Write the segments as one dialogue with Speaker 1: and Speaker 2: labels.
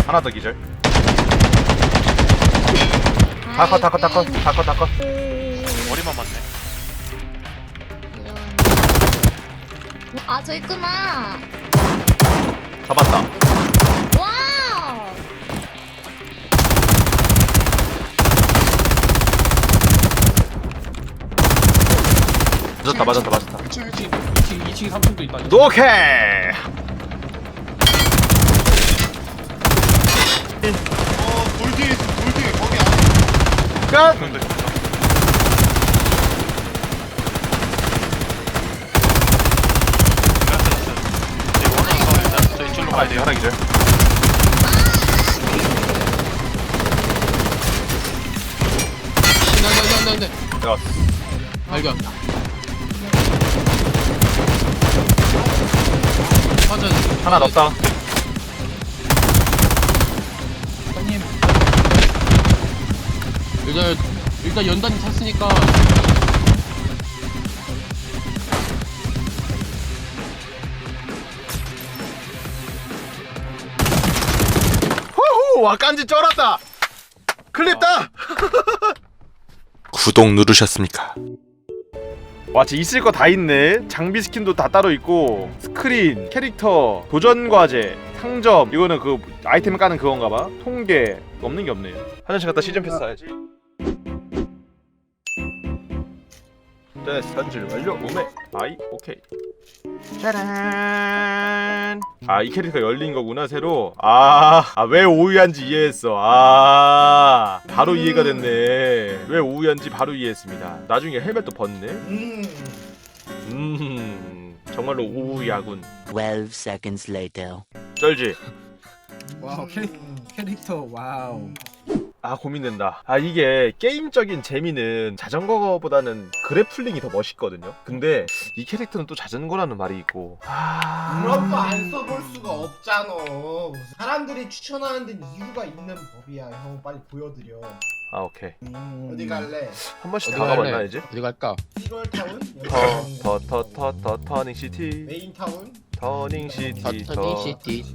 Speaker 1: 하나 더 기절. 다컷.
Speaker 2: 머리만 맞네.
Speaker 3: 아, 저 있구나.
Speaker 1: 잡았다.
Speaker 3: 와우.
Speaker 1: 맞았다.
Speaker 4: 2층 3층도 있다.
Speaker 1: 오케이.
Speaker 5: 돌 뒤에 있어, 돌 뒤에. 거기 안에.
Speaker 1: 끝.
Speaker 2: 근데 저희 줄로 가야 돼요.
Speaker 1: 하나 기절.
Speaker 4: 안돼.
Speaker 1: 내가
Speaker 4: 발견. 맞아.
Speaker 1: 하나 넣었다.
Speaker 4: 사장님. 일단 연단이 탔으니까.
Speaker 1: 호호, 와 깐지 쩔었다. 클립다.
Speaker 6: 구독 누르셨습니까?
Speaker 1: 와, 진짜 있을 거 다 있네. 장비 스킨도 다 따로 있고, 스크린, 캐릭터, 도전 과제, 상점. 이거는 그 아이템 까는 그건가 봐. 통계. 없는 게 없네요. 화장실 갔다 시즌 패스 사야지. 네, 현질 완료. 오메. 아이, 오케이. 짜란. 아, 이 캐릭터 열린 거구나, 새로. 왜 오유한지 이해했어. 바로 이해가 됐네. 왜 오유한지 바로 이해했습니다. 나중에 헬멧도 벗네. 정말로 오우야군.
Speaker 7: 12 seconds later.
Speaker 1: 쩔지?
Speaker 8: 와우 캐릭터 와우.
Speaker 1: 고민된다. 이게 게임적인 재미는 자전거보다는 그래플링이 더 멋있거든요. 근데 이 캐릭터는 또 자전거라는 말이 있고.
Speaker 5: 그럼 또 안 써볼 수가 없잖아. 사람들이 추천하는 데는 이유가 있는 법이야. 형 빨리 보여드려.
Speaker 1: 오케이.
Speaker 5: 어디 갈래?
Speaker 1: 한 번씩
Speaker 4: 어디
Speaker 1: 다 가봤나
Speaker 4: 갈래?
Speaker 1: 이제?
Speaker 4: 어디 갈까?
Speaker 5: 1월 타운?
Speaker 1: 터닝 시티.
Speaker 5: 메인 타운?
Speaker 1: 터닝 시티.
Speaker 4: 터닝 시티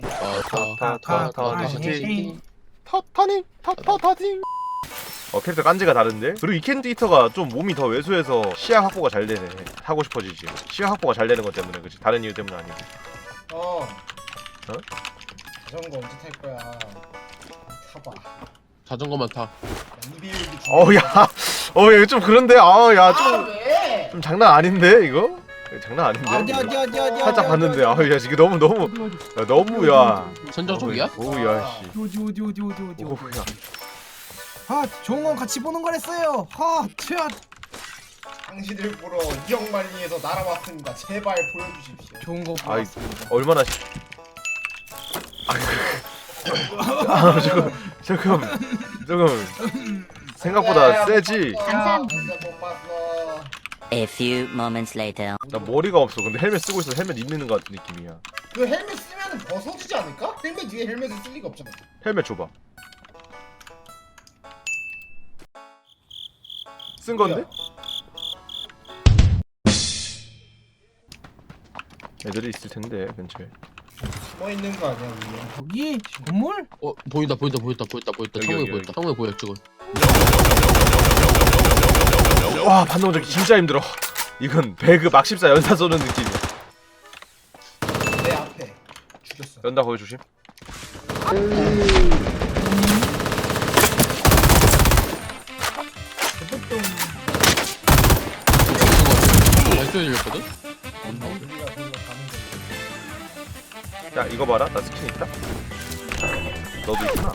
Speaker 1: 터닝 시티. 터닝. 캐릭터 깐지가 다른데? 그리고 이 캐릭터가 좀 몸이 더 왜소해서 시야 확보가 잘 되네. 하고 싶어지지. 시야 확보가 잘 되는 것 때문에, 그치? 다른 이유 때문은 아니고.
Speaker 5: 자전거 언제 탈 거야? 타봐.
Speaker 4: 자전거만 타.
Speaker 1: 야, 이거 좀 그런데?
Speaker 5: 왜?
Speaker 1: 좀 장난 아닌데, 이거? 장난 아닌데? 살짝 봤는데, 야, 이게 너무,
Speaker 4: 선정적이야?
Speaker 1: 오우야, 씨.
Speaker 8: 어디
Speaker 1: 오우야.
Speaker 8: 좋은 건 같이 보는 거랬어요.
Speaker 5: 당신들 보러 이영만리에서 날아왔습니다. 제발 보여주십시오.
Speaker 8: 좋은 거
Speaker 1: 아이,
Speaker 8: 보았습니다.
Speaker 1: 얼마나, 조금, 생각보다 세지?
Speaker 3: 감사합니다.
Speaker 5: 못 봤어.
Speaker 7: A few moments later.
Speaker 1: 나 머리가 없어. 근데 헬멧 쓰고 있어. 헬멧 입는 것 같은 느낌이야.
Speaker 5: 그 헬멧 쓰면 벗어지지 않을까? 헬멧 뒤에 헬멧을 쓸 리가 없잖아.
Speaker 1: 헬멧 줘봐. 쓴 건데? 애들이 있을 텐데 근처에.
Speaker 5: 뭐 있는 거 아니야 위에?
Speaker 8: 여기 건물?
Speaker 4: 보인다.
Speaker 1: 여기,
Speaker 4: 창문에
Speaker 1: 여기,
Speaker 4: 보였다. 창문에 보여 지금.
Speaker 1: 와, 반동적이 진짜 힘들어. 이건 배그 막 14 연사 쏘는 느낌이야.
Speaker 5: 내 앞에 죽였어.
Speaker 1: 연다 거기 조심.
Speaker 4: 발소리 들렸거든?
Speaker 5: 우리가 그걸로 가는 거.
Speaker 1: 야, 이거 봐라. 나 스킨 있다. 너도 있구나.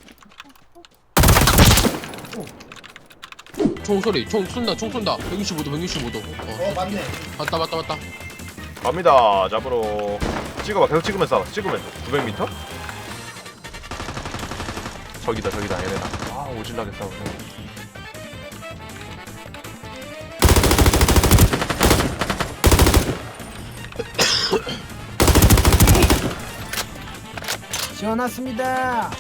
Speaker 4: 총소리. 총 쏜다. 165도.
Speaker 5: 맞네.
Speaker 4: 맞다.
Speaker 1: 갑니다. 잡으러. 찍어봐. 계속 찍으면서 쏴봐. 찍으면서. 900m? 저기다 얘네다. 오질나게 싸우네.
Speaker 8: 지어놨습니다.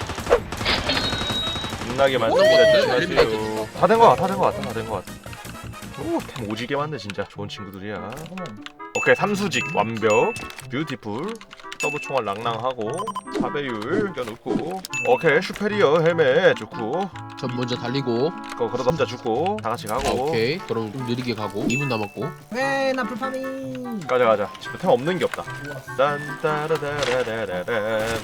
Speaker 1: 빛나게 만듭니다. 조심하세요. 다 된 거 같아. 오, 템 오지게 많네 진짜. 좋은 친구들이야. 오케이, 삼수직 완벽. 뷰티풀. 서브 총알 랑랑하고 4배율 껴놓고 오케이 슈페리어 헬멧 좋고
Speaker 4: 전 먼저 달리고.
Speaker 1: 그러다 혼자 죽고 다 같이 가고
Speaker 4: 오케이. 그럼 좀 느리게 가고. 2분 남았고.
Speaker 8: 왜나 불파밍.
Speaker 1: 가자 지금 템 없는 게 없다 딴따라다라라라란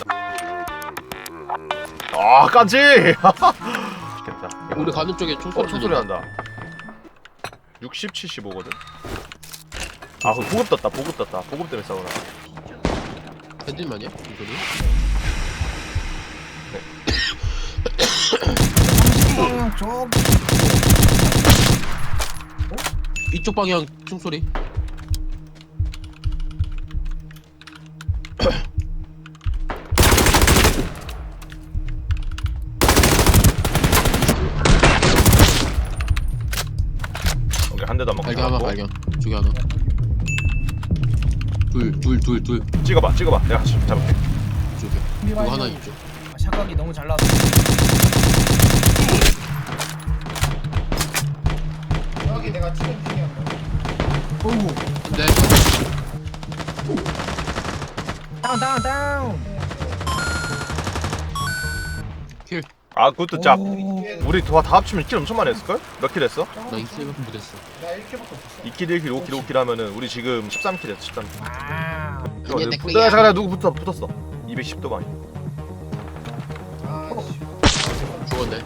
Speaker 1: 아 깐지 좋겠다
Speaker 4: 우리 가는 쪽에 총소리
Speaker 1: 총소리 난다 60, 75거든 아 그 보급 떴다 보급 때문에 싸우나
Speaker 4: 핸들만이야? 총소리?
Speaker 8: 방향 쪽.
Speaker 4: 이쪽 방향 총소리.
Speaker 1: 오케이 한 대도 안 맞고
Speaker 4: 발견 하나
Speaker 1: 잡았고.
Speaker 4: 발견. 저기 하나. 둘.
Speaker 1: 찍어봐 내가 같이 잡을게
Speaker 4: 이쪽에. 이거 하나 이쪽.
Speaker 8: 샷각이 너무 잘 나왔어.
Speaker 5: 여기 내가 치는 중이야.
Speaker 8: 오우.
Speaker 4: 근데
Speaker 8: 다운.
Speaker 4: 킬.
Speaker 1: 아 그것도 짭
Speaker 8: 오.
Speaker 1: 우리 다 합치면 킬 엄청 많이 했을걸? 몇 킬 했어?
Speaker 4: 나 2킬밖에 못했어.
Speaker 5: 나 1킬밖에 없었어.
Speaker 1: 2킬 1킬 5킬 5킬 하면은 우리 지금 13킬 했어 13킬
Speaker 8: 아.
Speaker 1: 잠깐 누구 붙었어 210도 방이
Speaker 5: 아, 씨.
Speaker 4: 죽었네.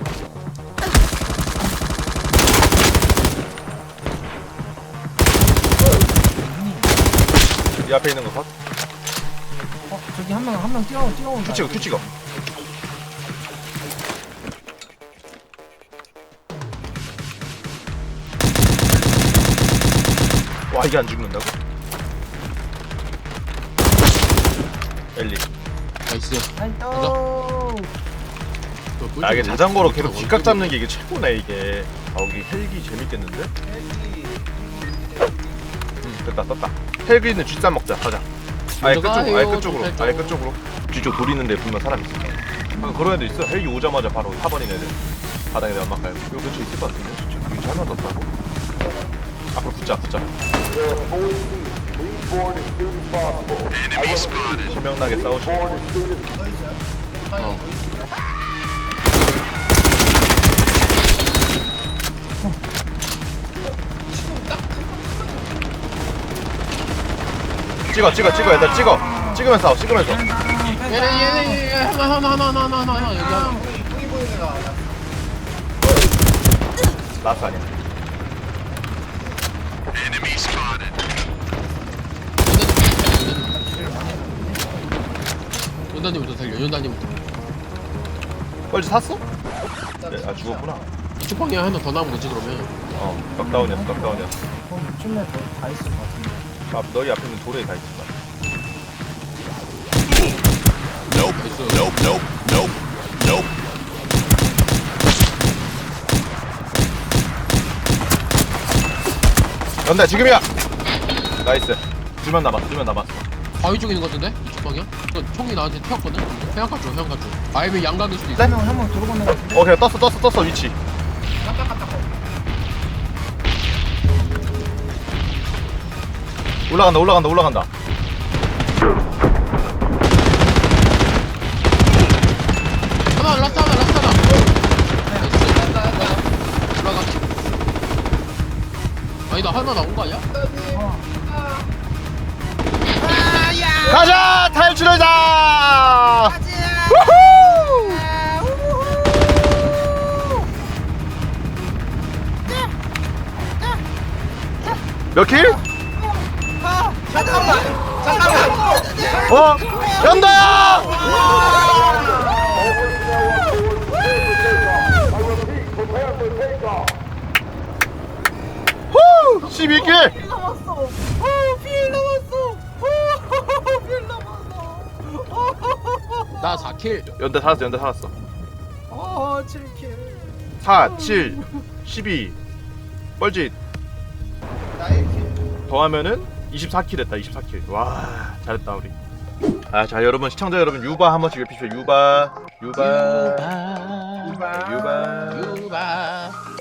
Speaker 1: 이 앞에 있는 거 봐?
Speaker 8: 저기 한 명 뛰어온다.
Speaker 1: 큐 찍어 와 이게 안 죽는다고? 엘리
Speaker 4: 나이스.
Speaker 1: 아 이게 자전거로 계속 뒷각 잡는 게 이게 최고네 이게 아 여기 헬기 재밌겠는데? 됐다 떴다 헬기는 뒷산 먹자 가자 아예 끝쪽으로 뒤쪽 돌 있는데 분명 사람 있어 아, 그런 애도 있어 헬기 오자마자 바로 4번인 애들 바닥에 내가 막 가요 이거 근처에 있을 것 같은데 진짜 여기 잘만 떴다고? 앞으로 붙자 소명나게 싸우지 찍어 얘들 찍으면서 싸워 찍으면서
Speaker 4: 얘네 하나 여기 하나.
Speaker 5: 형이 보이는 애가
Speaker 1: 라스 아니야
Speaker 4: 연단님부터 살려. 연단님부터.
Speaker 1: 뻘지 샀어? 네, 아 죽었구나
Speaker 4: 이쪽 방향 하나 더 나오면 되지 그러면.
Speaker 1: 넉다운이었어
Speaker 8: 이쯤에 다 있을 것 같은데.
Speaker 1: 아 너희 앞에 있는 돌에 다 있을 거야
Speaker 4: 나이스.
Speaker 1: 연다 지금이야 나이스 둘만 남았어
Speaker 4: 바위 쪽에 있는 것 같은데? 이쪽 방향? 그 총이 나한테 튀었거든? 해안가 쪽. 아니면 양각일 수도 있어.
Speaker 8: 한명 도로 건너가
Speaker 1: 오케이 떴어 위치 올라간다
Speaker 4: 하나 라스트 하나. 나이스. 올라가. 아니 나 하나 나온 거 아니야?
Speaker 1: 가자 탈출하자 몇 킬? 잠깐만 연다야 후 12킬
Speaker 4: 나 4킬.
Speaker 1: 연다 살았어
Speaker 8: 7킬.
Speaker 1: 4, 7, 12 뻘짓
Speaker 5: 나 1킬.
Speaker 1: 더하면은 24킬 했다 24킬 와 잘했다 우리 아 자 여러분 시청자 여러분 유바 한 번씩 외피시오 유바
Speaker 4: 유바.